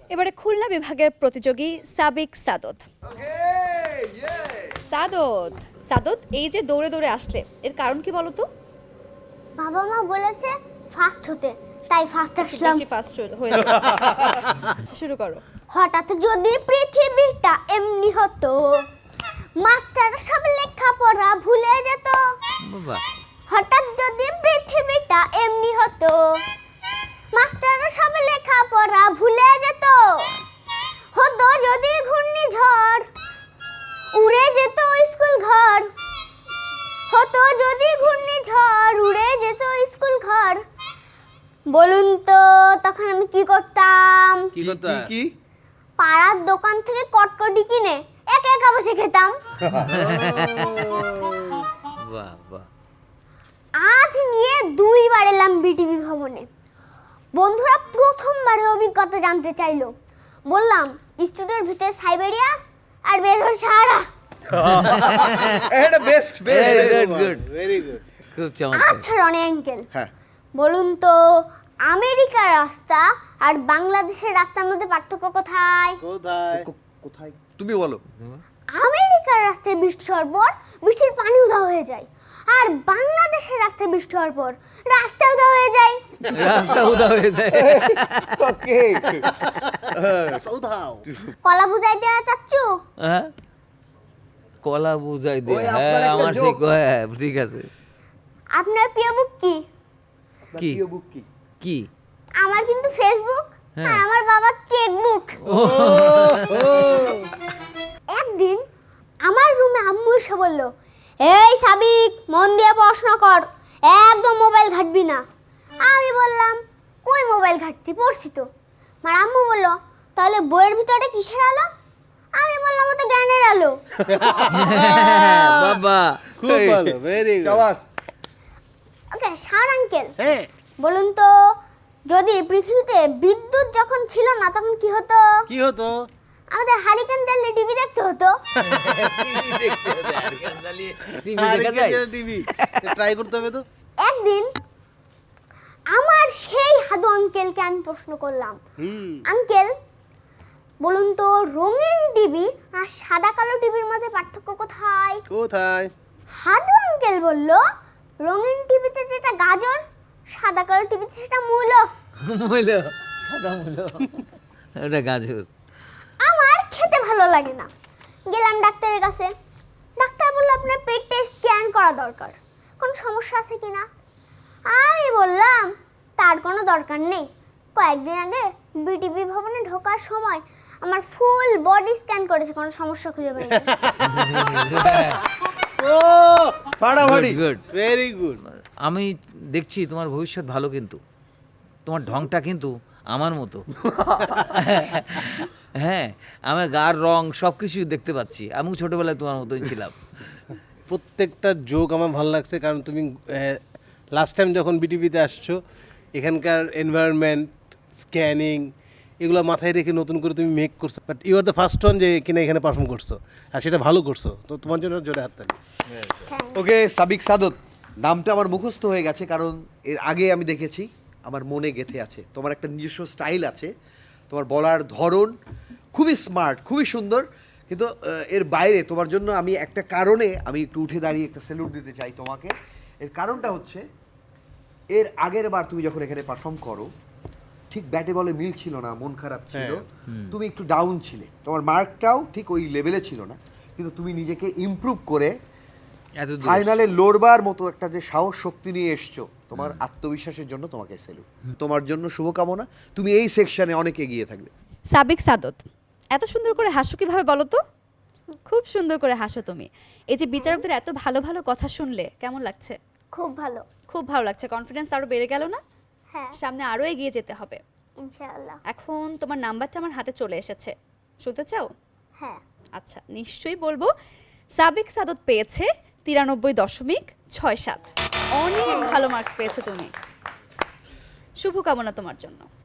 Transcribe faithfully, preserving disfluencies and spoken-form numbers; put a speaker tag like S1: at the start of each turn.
S1: এবারে খুলনা বিভাগের প্রতিযোগী সাবিক সাদত। সাদত সাদত এই যে দৌড়ে দৌড়ে আসলে এর কারণ কি বলো তো?
S2: বাবা মা বলেছে ফাস্ট হতে, তাই ফাস্ট আসলাম।
S1: বেশি ফাস্ট হয়েছে। আচ্ছা শুরু করো।
S2: হঠাৎ যদি পৃথিবীটা এমনি হতো, মাস্টার সব লেখাপড়া ভুলে যেত।
S3: বাবা
S2: হঠাৎ যদি পৃথিবীটা এমনি হতো, মাস্টার সব লেখাপড়া ভুলে যেত। হতো যদি ঘূর্ণিঝড়, উড়ে যেত স্কুল ঘর। হতো যদি ঘূর্ণিঝড়, উড়ে যেত স্কুল ঘর। বলুন তো তখন আমি কি করতাম?
S3: কি করতে
S4: কি
S2: পাড়ার দোকান থেকে কটকটি কিনে একা একা বসে খেতাম।
S3: বাহ বাহ
S2: আজ নিয়ে দুইবার এলাম বিটিভি ভবনে। বন্ধুরা প্রথমবারে অভিজ্ঞতা জানতে চাইলো। বললাম স্টুডিওর ভিতরে সাইবেরিয়া আর বের হল সাহারা।
S4: এটা best
S3: Very good,
S4: best
S3: good.
S4: Very good
S3: খুব চমৎকার।
S2: আচ্ছা রনি আঙ্কেল,
S4: হ্যাঁ
S2: বলুন তো আমেরিকার রাস্তা আর বাংলাদেশের রাস্তার মধ্যে পার্থক্য কোথায়?
S4: কোথায় কোথায় তুমি বলো
S2: আমেরিকার রাস্তায় বৃষ্টি হওয়ার পর বৃষ্টির পানি উধাও হয়ে যায়, আর বাংলাদেশের রাস্তায় বৃষ্টি হওয়ার পর রাস্তা উধাও হয়ে যায়।
S3: রাস্তা উদা হয়ে যায়।
S4: ওকে সৌদাও
S2: কলা বুঝাই দেওয়া চাচ্ছু?
S3: হ্যাঁ কলা বুঝাই দে।
S4: ওই
S3: হ্যাঁ
S4: আপনার একটা
S3: আমার
S4: joke।
S3: ঠিক হ্যাঁ ঠিক আছে।
S2: আপনার প্রিয় বুক কি?
S3: কি?
S4: প্রিয় বুক কি
S3: কি
S2: আমার কিন্তু ফেসবুক
S3: হ্যাঁ।
S2: আর আমার বাবার চেকবুক। একদিন আমার রুমে আম্মু এসে বলল, এই সাবিক মন দিয়ে পড়াশোনা কর, একদম মোবাইল ঘাটবি না। আমি বললাম কই মোবাইল ঘাটছি, পড়ছি তো। আমার আম্মু বলল তাহলে বইয়ের ভিতরে কিসের আলো? আমি বললাম ওটা জ্ঞানের আলো।
S3: বাবা
S4: খুব ভালো ভেরি গুড শাবাশ
S2: ওকে শাওন আঙ্কেল,
S4: হ্যাঁ
S2: বলুন তো যদি পৃথিবীতে বিদ্যুৎ যখন ছিল না তখন কি হতো?
S4: কি হতো
S2: আমাদের হারিকেন জ্বালিয়ে টিভি দেখতে হতো।
S3: টিভি দেখা যায়?
S4: টিভি ট্রাই করতে হবে তো
S2: একদিন আমার সেই হাদু আঙ্কেলকে আমি প্রশ্ন করলাম,
S4: হুম
S2: আঙ্কেল বলুন তো রঙিন টিভি আর সাদা কালো টিভির মধ্যে পার্থক্য কোথায়?
S4: কোথায়
S2: হাদু আঙ্কেল বলল রঙিন টিভিতে যেটা গাজর, সাদা কালো টিভিতে সেটা মূলো।
S3: মূলো সাদা মূলো ওটা গাজর।
S2: আমার খেতে ভালো লাগে না, গেলাম ডাক্তারের কাছে। ডাক্তার বলল আপনার পেটে স্ক্যান করা দরকার, কোনো সমস্যা আছে কিনা। আমি বললাম তার কোনো দরকার নেই। কয়েকদিন আগে বিটিভি ভবনে ঢোকার সময় আমার ফুল বডি স্ক্যান করেছে, কোনো সমস্যা খুঁজে পাইনি।
S4: ও ফাটাফাটি
S3: Good, good.
S4: ভেরি গুড
S3: আমি দেখছি তোমার ভবিষ্যৎ ভালো, কিন্তু তোমার ঢংটা কিন্তু আমার মতো। হ্যাঁ আমার গার রং সব কিছুই দেখতে পাচ্ছি। আমিও ছোটবেলায় তোমার মতোই ছিলাম।
S4: প্রত্যেকটা জোক আমার ভালো লাগছে, কারণ তুমি লাস্ট টাইম যখন বিটিভিতে আসছো এখানকার এনভায়রনমেন্ট স্ক্যানিং এগুলো মাথায় রেখে নতুন করে তুমি মেক করছো, but you are the first one যে কিনা এখানে পারফর্ম করছো, আর সেটা ভালো করছো, তো তোমার জন্য জোরে হাততালি।
S5: ওকে সাবিক সাদত নামটা আমার মুখস্থ হয়ে গেছে, কারণ এর আগে আমি দেখেছি, আমার মনে গেঁথে আছে। তোমার একটা নিজস্ব স্টাইল আছে, তোমার বলার ধরন খুবই স্মার্ট, খুবই সুন্দর। কিন্তু আহ, এর বাইরে তোমার জন্য আমি একটা কারণে আমি একটু উঠে দাঁড়িয়ে একটা স্যালুট দিতে চাই তোমাকে। এর কারণটা হচ্ছে এর আগের বার তুমি যখন এখানে পারফর্ম করো ঠিক ব্যাটে বলে মিল ছিল না, মন খারাপ ছিল, তুমি একটু ডাউন ছিলে, তোমার মার্কটাও ঠিক ওই লেভেলে ছিল না, কিন্তু তুমি নিজেকে ইমপ্রুভ করে
S3: এত দূর
S5: ফাইনালে লড়বার মতো একটা যে সাহস শক্তি নিয়ে এসছো, তোমার আত্মবিশ্বাসের জন্য তোমাকে স্যালুট। তোমার জন্য শুভকামনা, তুমি এই সেকশনে অনেক এগিয়ে থাকবে।
S1: সাবিক সাদত এত সুন্দর করে হাসো কিভাবে বলো তো? খুব সুন্দর করে হাসো তুমি। এই যে বিচারকদের এত ভালো ভালো কথা শুনলে কেমন লাগছে?
S2: খুব ভালো।
S1: খুব ভালো লাগছে, কনফিডেন্স আরো বেড়ে গেল না?
S2: হ্যাঁ
S1: সামনে আরো এগিয়ে যেতে হবে।
S2: ইনশাআল্লাহ।
S1: এখন তোমার নাম্বারটা আমার হাতে চলে এসেছে, শুনতে চাও?
S2: হ্যাঁ
S1: আচ্ছা নিশ্চয়ই বলবো। সাবিক সাদত পেয়েছে তিরানব্বই দশমিক ছয় সাত। অনেক ভালো মার্কস পেয়েছো তুমি, শুভকামনা তোমার জন্য।